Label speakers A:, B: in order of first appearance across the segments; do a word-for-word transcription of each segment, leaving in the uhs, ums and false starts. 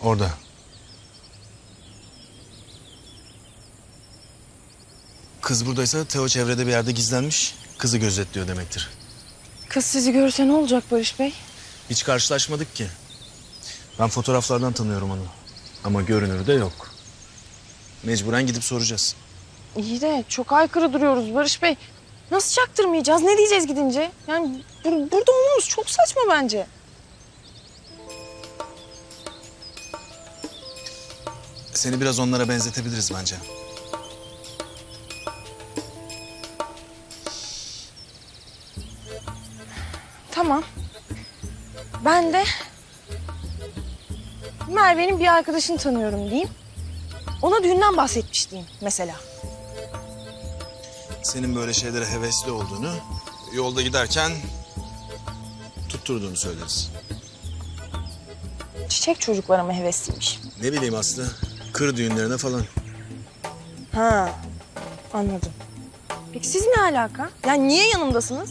A: Orada. Kız buradaysa Teo çevrede bir yerde gizlenmiş. Kızı gözetliyor demektir.
B: Kız sizi görürse ne olacak Barış Bey?
A: Hiç karşılaşmadık ki. Ben fotoğraflardan tanıyorum onu. Ama görünürü de yok. Mecburen gidip soracağız.
B: İyi de çok aykırı duruyoruz Barış Bey. Nasıl çaktırmayacağız? Ne diyeceğiz gidince? Yani bur- burada olmamız çok saçma bence.
A: Seni biraz onlara benzetebiliriz bence.
B: Tamam. Ben de Merve'nin bir arkadaşını tanıyorum diyeyim. Ona düğünden bahsetmiş diyeyim mesela.
A: Senin böyle şeylere hevesli olduğunu, yolda giderken tutturduğunu söyleriz.
B: Çiçek çocuklara mı hevesliymiş?
A: Ne bileyim Aslı, kır düğünlerine falan.
B: Ha, anladım. Peki siz ne alaka? Yani niye yanımdasınız?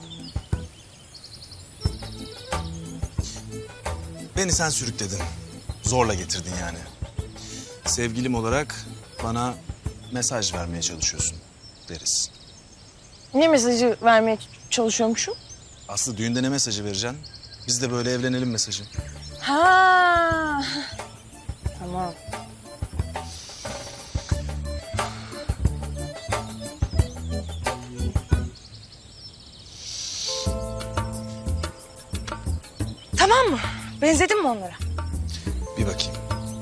A: Beni sen sürükledin. Zorla getirdin yani. Sevgilim olarak bana mesaj vermeye çalışıyorsun deriz.
B: Ne mesajı vermeye çalışıyormuşum?
A: Aslı düğünde ne mesajı vereceksin? Biz de böyle evlenelim mesajı.
B: Ha, tamam. Tamam mı? Benzedin mi onlara?
A: Bir bakayım.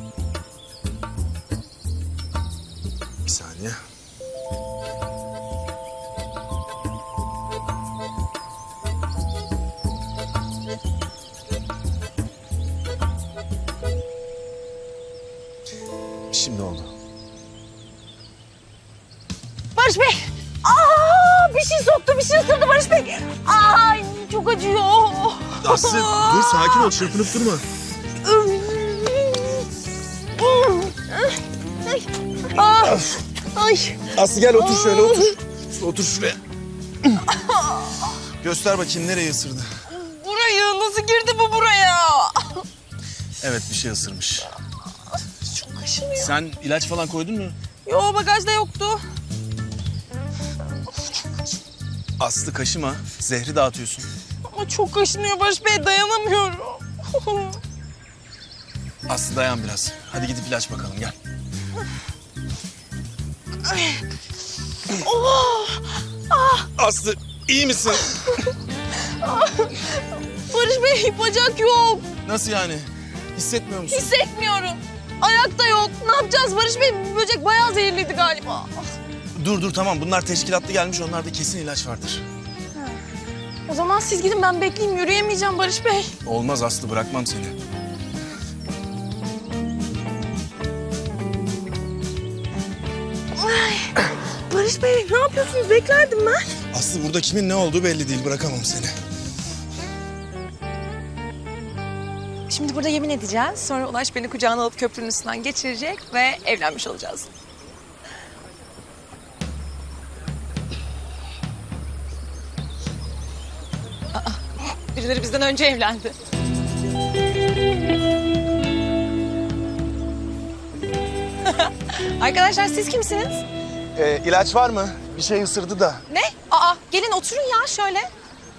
A: Bir saniye. Şimdi oldu.
B: Barış Bey! Aa, bir şey soktu, bir şey ısırdı Barış Bey. Ay, çok acıyor.
A: Aslı dur, sakin ol, çırpınıp durma.
B: Ay, ay, ay.
A: Aslı gel otur şöyle, otur. Otur şuraya. Göster bakayım nereyi ısırdı.
B: Burayı nasıl girdi bu buraya?
A: Evet, bir şey ısırmış.
B: Çok kaşınıyor.
A: Sen ilaç falan koydun mu?
B: Yo, bagajda yoktu.
A: Aslı kaşıma, zehri dağıtıyorsun.
B: Ama çok kaşınıyor Barış Bey, dayanamıyorum.
A: Aslı dayan biraz. Hadi gidip ilaç bakalım, gel.
B: Oh!
A: Aslı iyi misin?
B: Barış Bey, bacak yok.
A: Nasıl yani? Hissetmiyor musun?
B: Hissetmiyorum. Ayakta yok. Ne yapacağız Barış Bey? Bu böcek bayağı zehirliydi galiba.
A: Dur dur tamam, bunlar teşkilatlı gelmiş, onlarda kesin ilaç vardır.
B: O zaman siz gidin, ben bekleyeyim. Yürüyemeyeceğim Barış Bey.
A: Olmaz Aslı, bırakmam seni.
B: Ay, Barış Bey, ne yapıyorsunuz? Beklerdim ben.
A: Aslı burada kimin ne olduğu belli değil, bırakamam seni.
C: Şimdi burada yemin edeceğiz. Sonra Ulaş beni kucağına alıp köprünün üstünden geçirecek ve evlenmiş olacağız. Aa, birileri bizden önce evlendi. Arkadaşlar siz kimsiniz?
A: Ee, ilaç var mı? Bir şey ısırdı da.
C: Ne? Aa, gelin oturun ya şöyle.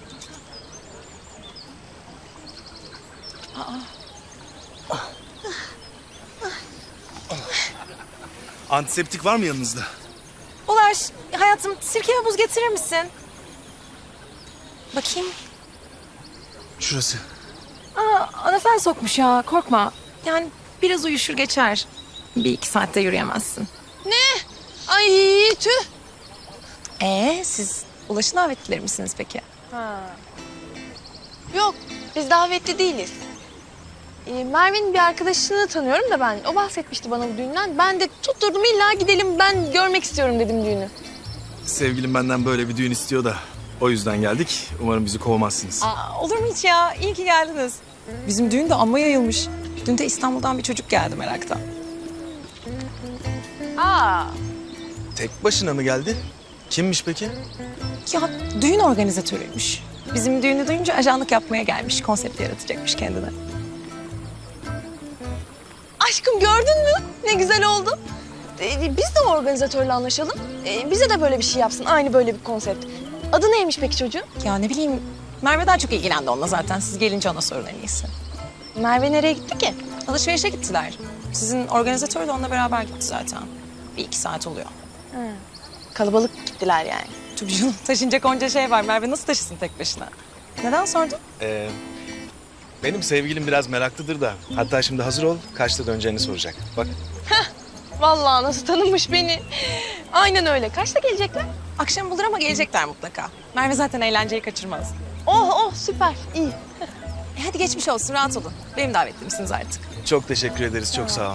A: Antiseptik var mı yanınızda?
C: Ulaş, hayatım sirke ve buz getirir misin? Bakayım.
A: Şurası.
C: Aa, anafen sokmuş ya, korkma. Yani biraz uyuşur geçer. Bir iki saatte yürüyemezsin.
B: Ne? Ay tüh.
C: Ee, siz Ulaş'ın davetlileri misiniz peki?
B: Ha. Yok, biz davetli değiliz. Ee, Merve'nin bir arkadaşını tanıyorum da ben. O bahsetmişti bana bu düğünden. Ben de tutturdum, illa gidelim, ben görmek istiyorum dedim düğünü.
A: Sevgilim benden böyle bir düğün istiyor da o yüzden geldik. Umarım bizi kovmazsınız.
C: Aa, olur mu hiç ya? İyi ki geldiniz. Bizim düğün de amma yayılmış. Dün de İstanbul'dan bir çocuk geldi meraktan.
B: Aa,
A: Tek başına mı geldi? Kimmiş peki?
C: Ya düğün organizatörüymüş. Bizim düğünü duyunca ajanlık yapmaya gelmiş. Konsept yaratacakmış kendine.
B: aşkım gördün mü? Ne güzel oldu. Ee, biz de organizatörle anlaşalım. Ee, bize de böyle bir şey yapsın. Aynı böyle bir konsept. Adı neymiş peki çocuğun?
C: Ya ne bileyim Merve daha çok ilgilendi onunla zaten. Siz gelince ona sorun en iyisi.
B: Merve nereye gitti ki?
C: Alışverişe gittiler. Sizin organizatör de onunla beraber gitti zaten. Bir iki saat oluyor.
B: Kalabalık gittiler yani.
C: Tabii canım taşınacak onca şey var. Merve nasıl taşısın tek başına? Neden sordun?
A: Ee, benim sevgilim biraz meraklıdır da. Hatta şimdi hazır ol, kaçta döneceğini soracak. Bak.
B: Vallahi nasıl tanımış beni. Aynen öyle. Kaçta gelecekler?
C: Akşam bulur ama gelecekler mutlaka. Merve zaten eğlenceyi kaçırmaz.
B: Oh oh süper. İyi.
C: E hadi geçmiş olsun rahat olun. Benim davetlimsiniz artık.
A: Çok teşekkür ederiz, çok sağ ol.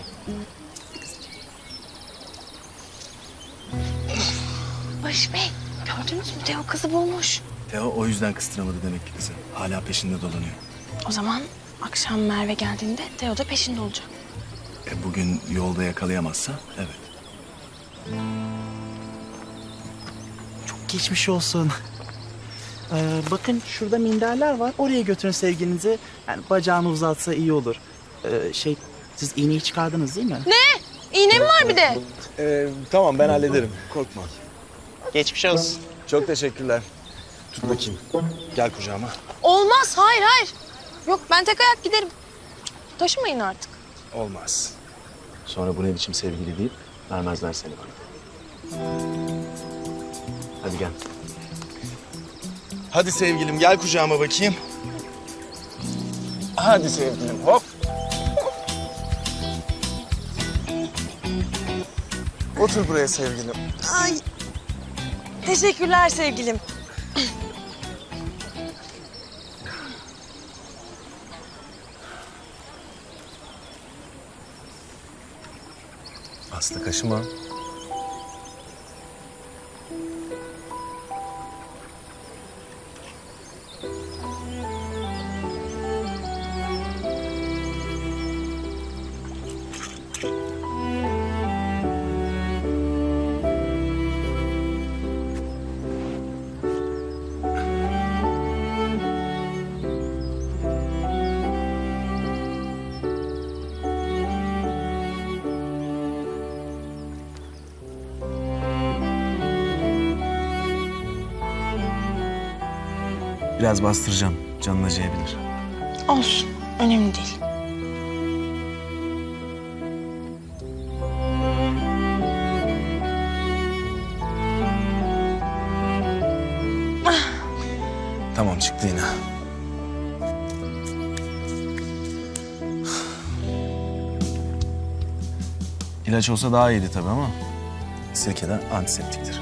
B: Barış Bey gördünüz mü? Teo kızı bulmuş.
A: Teo o yüzden kıstıramadı demek ki kızı. Hala peşinde dolanıyor.
B: O zaman akşam Merve geldiğinde Teo da peşinde olacak.
A: E, bugün yolda yakalayamazsa evet.
D: Çok geçmiş olsun. Ee, bakın şurada minderler var. Oraya götürün sevgilinizi. Yani bacağını uzatsa iyi olur. Ee, şey, siz iğneyi çıkardınız değil mi?
B: Ne? İğne mi var bir de?
A: Ee, tamam ben hallederim, korkma.
D: Geçmiş olsun.
A: Çok teşekkürler. Tut bakayım. Gel kucağıma.
B: Olmaz. Hayır hayır. Yok ben tek ayak giderim. Taşımayın artık.
A: Olmaz. Sonra bu ne biçim sevgili deyip vermezler seni bana. Hadi gel. Hadi sevgilim gel kucağıma bakayım. Hadi sevgilim hop. Otur buraya sevgilim.
B: Ay. Teşekkürler sevgilim.
A: Aslı kaşıma. Biraz bastıracağım. Canın acıyabilir.
B: Olsun. Önemli değil.
A: Tamam çıktı yine. İlaç olsa daha iyiydi tabii ama sirkeden antiseptiktir.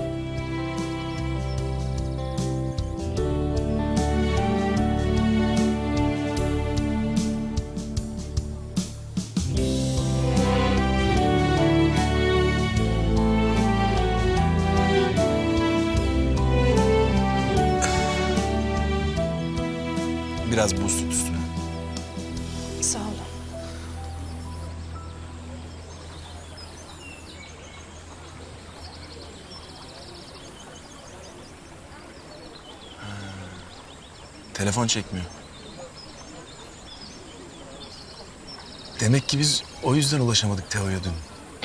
A: Biraz buz tut üstüne.
B: Sağ olun.
A: Telefon çekmiyor. Demek ki biz o yüzden ulaşamadık Teo'ya dün.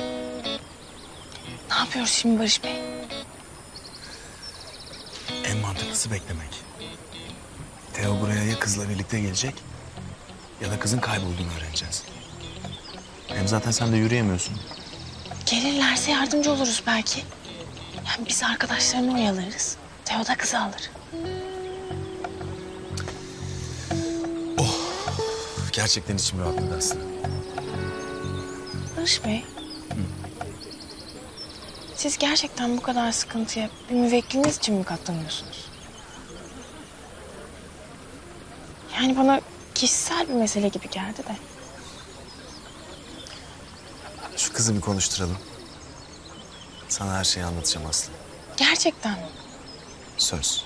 B: Ne yapıyoruz şimdi Barış Bey?
A: En mantıklısı beklemek. Teo buraya ya kızla birlikte gelecek ya da kızın kaybolduğunu öğreneceğiz. Hem zaten sen de yürüyemiyorsun.
B: Gelirlerse yardımcı oluruz belki. Yani biz arkadaşlarını oyalarız. Teo da kızı alır.
A: Gerçekten içim rahatladı aslında.
B: Barış Bey. Siz gerçekten bu kadar sıkıntıya bir müvekkiliniz için mi katlanıyorsunuz? Yani bana kişisel bir mesele gibi geldi de.
A: Şu kızı bir konuşturalım. Sana her şeyi anlatacağım Aslı.
B: Gerçekten mi?
A: Söz.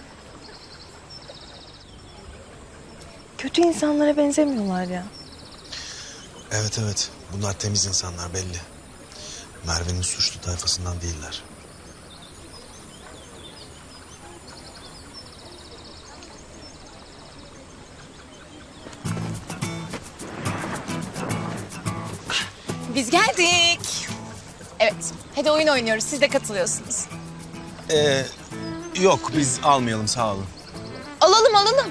B: Kötü insanlara benzemiyorlar ya.
E: Evet evet. Bunlar temiz insanlar belli. Merve'nin suçlu tayfasından değiller.
C: biz geldik. Evet, hadi oyun oynuyoruz. Siz de katılıyorsunuz.
A: Ee, yok biz almayalım sağ olun.
B: Alalım alalım.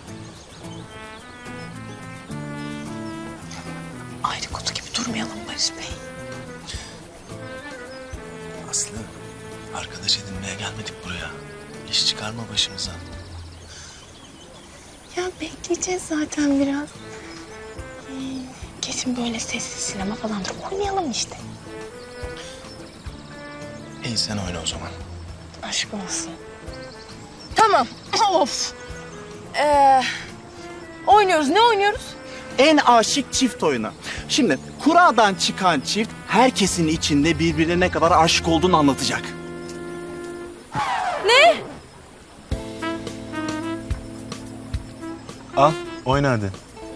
C: Ayrı kutu gibi durmayalım Barış Bey.
A: Aslı arkadaş edinmeye gelmedik buraya. İş çıkarma başımıza.
B: Ya bekleyeceğiz zaten biraz. Ee, Kesin böyle sessiz sinema falandır. Oynayalım işte.
A: İyi sen oyna o zaman.
B: Aşk olsun.
C: Tamam. Of. Ee, oynuyoruz. Ne oynuyoruz?
D: En aşık çift oyunu. Şimdi kuradan çıkan çift herkesin içinde birbirine ne kadar aşık olduğunu anlatacak.
A: Al oyna hadi.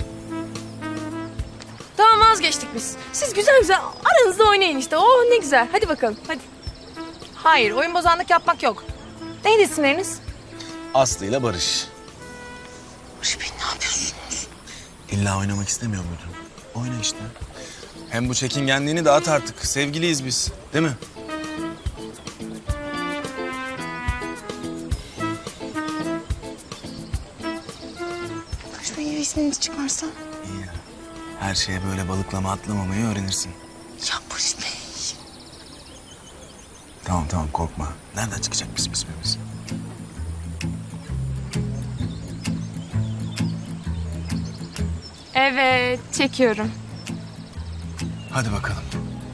C: Tamam, vazgeçtik biz. Siz güzel güzel aranızda oynayın işte. Oh ne güzel. Hadi bakalım hadi. Hayır, oyun bozanlık yapmak yok. Neydi isimleriniz?
A: Aslı ile Barış.
B: Barış Bey ne yapıyorsunuz?
A: İlla oynamak istemiyor muydun? Oyna işte. Hem bu çekingenliğini dağıt artık. Sevgiliyiz biz. Değil mi?
B: Barış Bey ya isminizi çıkarsa?
A: İyi ya. Her şeye böyle balıklama atlamamayı öğrenirsin.
B: Ya Barış Bey.
A: Tamam tamam korkma. Nereden çıkacak bizim ismimiz?
C: Evet, çekiyorum.
A: Hadi bakalım.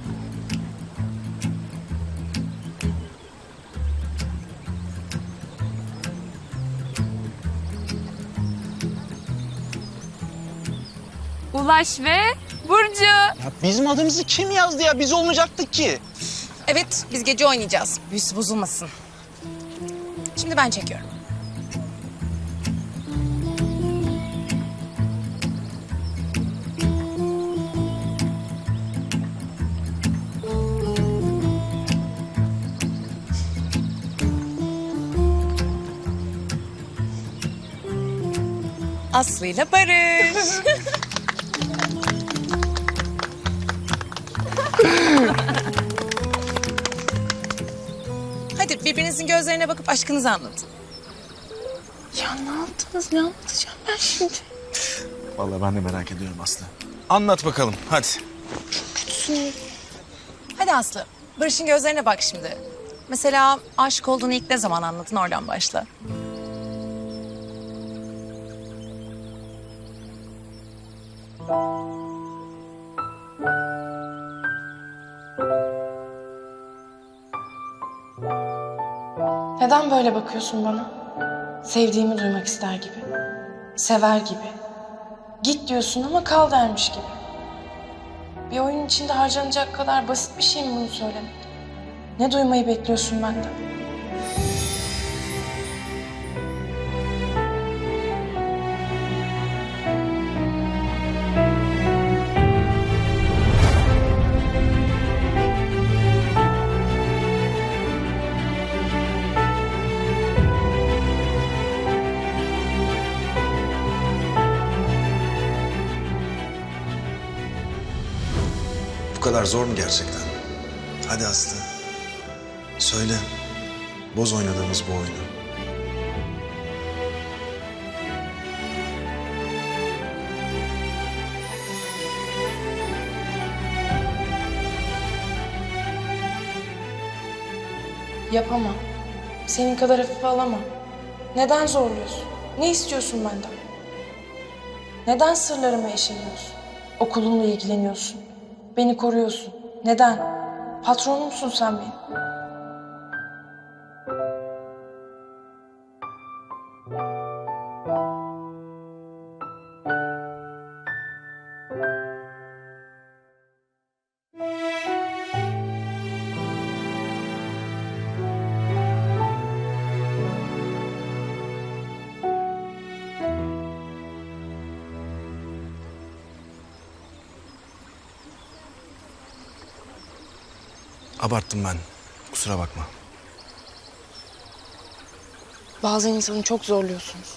C: Ulaş ve Burcu.
D: Ya bizim adımızı kim yazdı ya? Biz olmayacaktık ki.
C: Evet, biz gece oynayacağız. Büyüsü bozulmasın. Şimdi ben çekiyorum. Aslı ile Barış. Hadi birbirinizin gözlerine bakıp aşkınızı anlatın.
B: Ya ne yaptınız? Ne anlatacağım ben şimdi?
A: Vallahi ben de merak ediyorum Aslı. Anlat bakalım hadi.
B: Kötüsünüz.
C: Hadi Aslı, Barış'ın gözlerine bak şimdi. Mesela aşık olduğunu ilk ne zaman anladın, oradan başla.
B: Neden böyle bakıyorsun bana? Sevdiğimi duymak ister gibi. Sever gibi. Git diyorsun ama kal dermiş gibi. Bir oyun içinde harcanacak kadar basit bir şey mi bunu söylemek? Ne duymayı bekliyorsun benden?
E: Bu kadar zor mu gerçekten? Hadi Aslı. Söyle. Boz oynadığımız bu oyunu.
B: Yapamam. Senin kadar hafife alamam. Neden zorluyorsun? Ne istiyorsun benden? Neden sırlarıma eşeliyorsun? Okulumla ilgileniyorsun. Beni koruyorsun. Neden? Patronumsun sen benim.
A: Abarttım ben. Kusura bakma.
B: Bazen insanı çok zorluyorsunuz.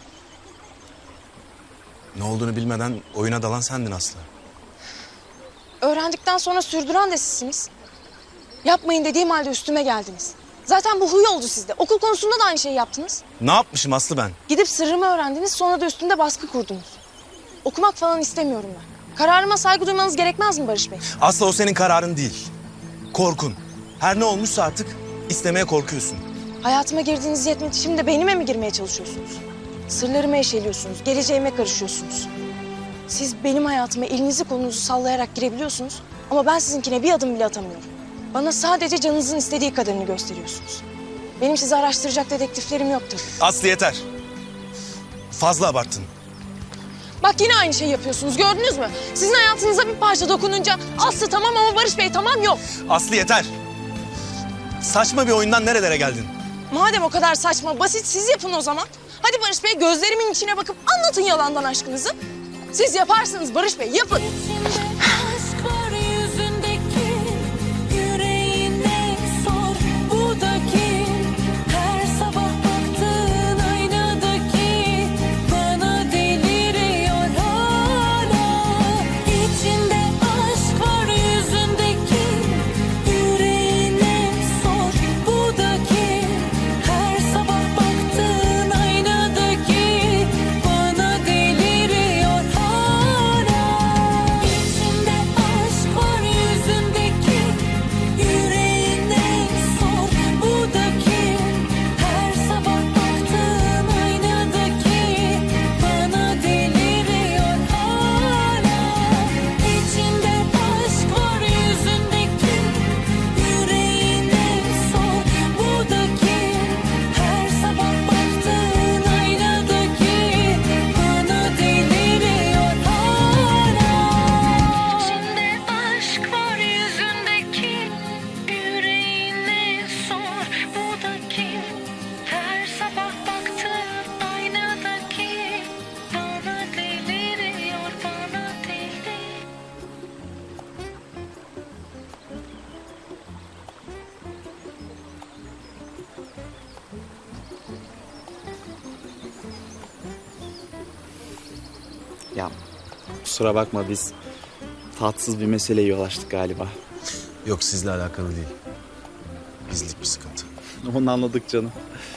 A: Ne olduğunu bilmeden oyuna dalan sendin Aslı.
B: Öğrendikten sonra sürdüren de sizsiniz. Yapmayın dediğim halde üstüme geldiniz. Zaten bu huy oldu sizde. Okul konusunda da aynı şeyi yaptınız.
A: Ne yapmışım Aslı ben?
B: Gidip sırrımı öğrendiniz, sonra da üstümde baskı kurdunuz. Okumak falan istemiyorum ben. Kararıma saygı duymanız gerekmez mi Barış Bey?
A: Aslı o senin kararın değil. Korkun. Her ne olmuşsa artık istemeye korkuyorsun.
B: Hayatıma girdiğiniz yetmedi, şimdi de beynime mi girmeye çalışıyorsunuz? Sırlarımı eşeliyorsunuz, geleceğime karışıyorsunuz. Siz benim hayatıma elinizi kolunuzu sallayarak girebiliyorsunuz ama ben sizinkine bir adım bile atamıyorum. Bana sadece canınızın istediği kadarını gösteriyorsunuz. Benim sizi araştıracak dedektiflerim yoktur.
A: Aslı yeter. Fazla abarttın.
B: Bak yine aynı şeyi yapıyorsunuz, gördünüz mü? Sizin hayatınıza bir parça dokununca Aslı tamam ama Barış Bey tamam yok.
A: Aslı yeter. Saçma bir oyundan nerelere geldin?
B: Madem o kadar saçma, basit siz yapın o zaman. Hadi Barış Bey gözlerimin içine bakıp anlatın yalandan aşkınızı. Siz yaparsınız Barış Bey, yapın.
F: Aşk var yüzündeki, yüreğine sor bu da kim? Her sabah baktığın aynadaki, bana deliriyor hala. İçinde aşk var yüzündeki, yüreğine sor bu da kim? Her sabah baktığın aynadaki, bana deliriyor hala. İçinde aşk var yüzündeki, yüreğine sor bu da kim? Her sabah baktığın aynadaki, bana deliriyor hala. İçinde aşk var yüzündeki, yüreğine sor bu da kim? Her sabah baktığın aynadaki, bana deliriyor hala. İçinde aşk var yüzündeki, yüreğine sor bu da kim? Her sabah baktığın aynadaki, bana deliriyor, bana deliriyor.
D: Ya kusura bakma biz tatsız bir meseleye yol açtık galiba.
E: Yok sizle alakalı değil. Bizlik bir sıkıntı.
D: Onu anladık canım.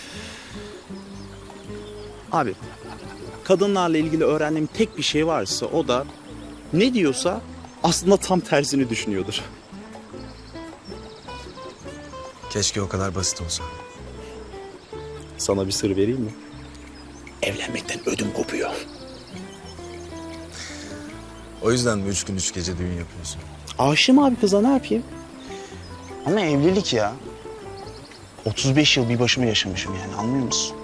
D: Abi kadınlarla ilgili öğrendiğim tek bir şey varsa o da ne diyorsa aslında tam tersini düşünüyordur.
E: Keşke o kadar basit olsa.
D: Sana bir sır vereyim mi? Evlenmekten ödüm kopuyor.
E: O yüzden mi üç gün üç gece düğün yapıyorsun?
D: Aşığım abi kıza, ne yapayım? Ama evlilik ya. otuz beş yıl bir başıma yaşamışım yani, anlıyor musun?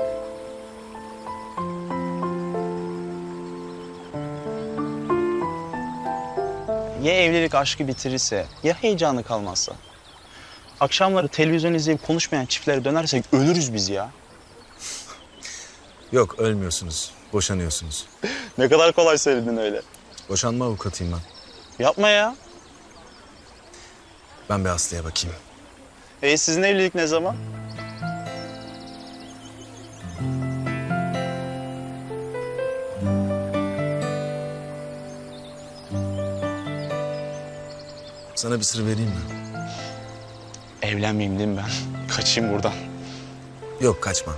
D: Ya evlilik aşkı bitirirse, ya heyecanı kalmazsa? Akşamları televizyon izleyip konuşmayan çiftlere dönersek ölürüz biz ya.
E: Yok ölmüyorsunuz. Boşanıyorsunuz.
D: Ne kadar kolay söyledin öyle.
E: Boşanma avukatıyım ben.
D: Yapma ya.
E: Ben bir Aslı'ya bakayım.
D: E sizin evlilik ne zaman?
E: Sana bir sır vereyim mi?
D: Evlenmeyeyim değil mi ben? Kaçayım buradan.
E: Yok kaçma.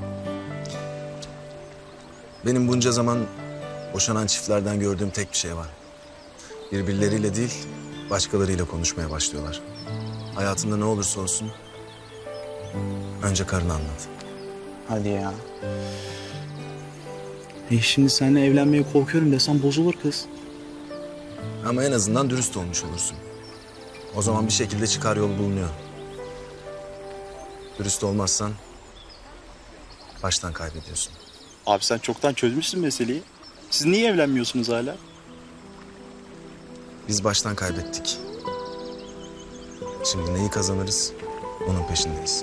E: Benim bunca zaman boşanan çiftlerden gördüğüm tek bir şey var. Birbirleriyle değil, başkalarıyla konuşmaya başlıyorlar. Hayatında ne olursa olsun önce karını anlat.
D: Hadi ya. E şimdi seninle evlenmeye korkuyorum desem bozulur kız.
E: Ama en azından dürüst olmuş olursun. O zaman bir şekilde çıkar yol bulunuyor. Dürüst olmazsan baştan kaybediyorsun.
D: Abi sen çoktan çözmüşsün meseleyi. Siz niye evlenmiyorsunuz hala?
E: Biz baştan kaybettik. Şimdi neyi kazanırız onun peşindeyiz.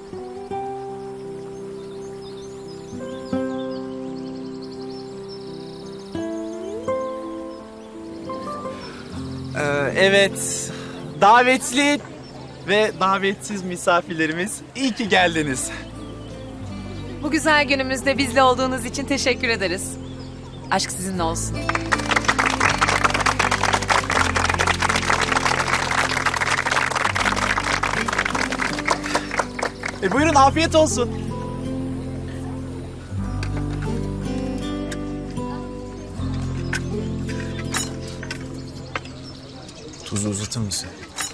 D: Ee, evet, davetli ve davetsiz misafirlerimiz, iyi ki geldiniz.
C: Bu güzel günümüzde bizle olduğunuz için teşekkür ederiz. Aşk sizinle olsun.
D: E buyurun afiyet olsun.
E: Tuzu uzatır mısın?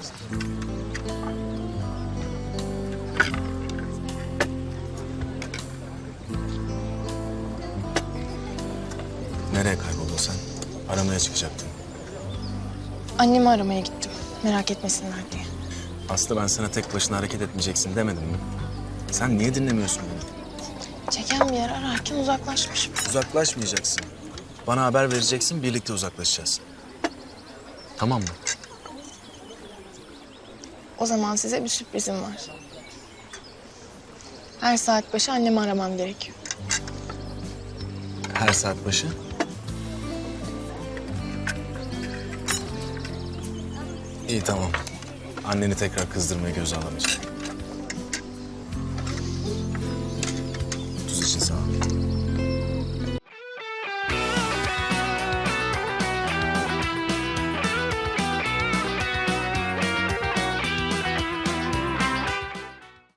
E: Nereye kayboldun sen? Aramaya çıkacaktın.
B: Annemi aramaya gittim. Merak etmesinler diye.
E: Aslı ben sana tek başına hareket etmeyeceksin demedim mi? Sen niye dinlemiyorsun beni?
B: Çeken bir yer ararken uzaklaşmışım.
E: Uzaklaşmayacaksın. Bana haber vereceksin, birlikte uzaklaşacağız. Tamam mı?
B: O zaman size bir sürprizim var. Her saat başı annemi aramam gerekiyor.
E: Her saat başı. İyi tamam. Anneni tekrar kızdırmaya göze alamayacağım. Tuz için sağ ol.